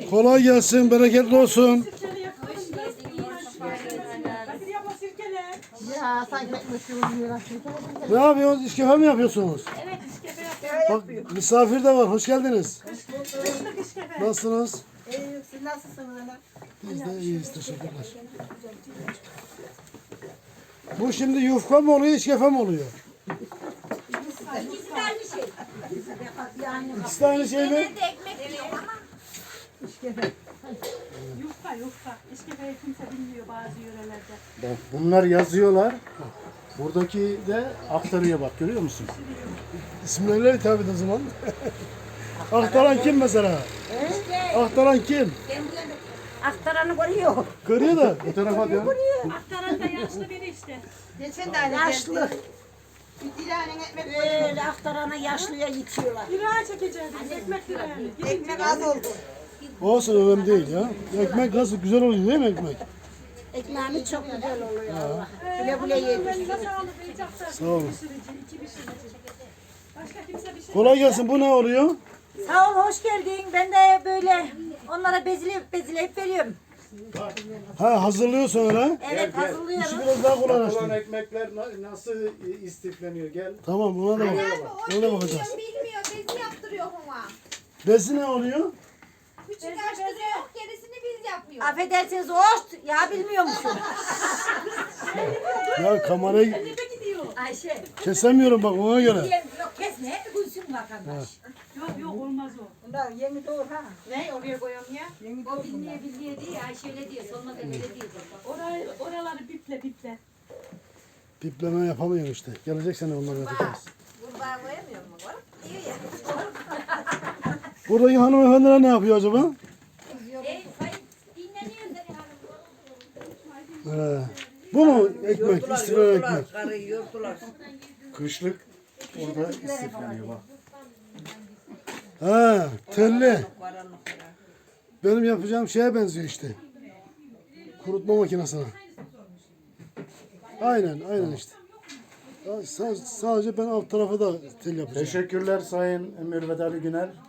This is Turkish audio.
Kolay gelsin, bereketli olsun. Ya sanki ekmek yiyorlar. Ne yapıyorsunuz? İşkefe mi yapıyorsunuz? Evet, işkefe yapıyoruz. Bak misafir de var. Hoş geldiniz. Kışlık işkefe. Nasılsınız? Siz nasılsınız ana? Biz de iyiyiz. Teşekkürler. Bu şimdi yufka mı oluyor, işkefe mi oluyor? İkisi de aynı şey. İkisi de aynı şey mi? Ben de ekmek yiyorum ama. Yufka. İşkefeyi kimse bilmiyor bazı yörelerde. Bak bunlar yazıyorlar. Buradaki de aktarıyor bak, görüyor musun? İsimlerle hitap et o zaman. Aktaran kim mesela? Aktaran kim? Aktaranı görüyor. Görüyor da bu tarafa dön. Aktaran da yaşlı biri işte. Geçen tane Yaşlı. Bir tane ekmek Böyle aktarana yaşlıya yitiyorlar. Direğe çekeceğiz. Ekmek direğini. ekmek az oldu. Olsun, önemli değil ya. Ekmek nasıl güzel oluyor değil mi ekmek? Ekmeğimiz çok güzel oluyor Allah. Güle güle yedir. Elinize sağlık. Beycaklar. Sağ olun. İki pişirici. Başka kimse bir şey. Kolay gelsin. Bu ne oluyor? Sağ ol, hoş geldin. Ben de böyle onlara bezileyip veriyorum. Ha, hazırlıyorsun öyle. Evet, hazırlıyorum. İşi biraz daha Olan kolaylaştır. ekmekler nasıl istifleniyor? Gel. Tamam, ona da bak. Ona da bakacağız. Bilmiyor, bezi yaptırıyor ama. Besi ne oluyor? Küçük açtırıyor, gerisini biz yapıyoruz. Affedersiniz, hoş. Ya bilmiyor musun? Ya kamerayı Ayşe. kesemiyorum bak, ona göre. Yok kesme, gülsün vatandaş. Yok olmaz o. Bunlar yeni doğur ha. Ne? Oraya koyalım ya. Yeni doğur. O bilmeye değil, Ayşe öyle diyor. Sonuna öyle diyor. Oraları biple. Pipleme yapamıyorum işte. Gelecek sene onları yapacağız. Kurbağa koyamıyor mu? Var? İyi ya. Buradaki hanımefendiler ne yapıyor acaba? Dinleniyor seni hanım. Bu mu ekmek? İstiflenen ekmek. Karıyı yordular. Kışlık orada istifleniyor bak. Ha, telli. Benim yapacağım şeye benziyor işte. Kurutma makinesine. Aynen işte. Sadece ben alt tarafa da tel yapacağım. Teşekkürler Sayın Mürvet Ali Güner.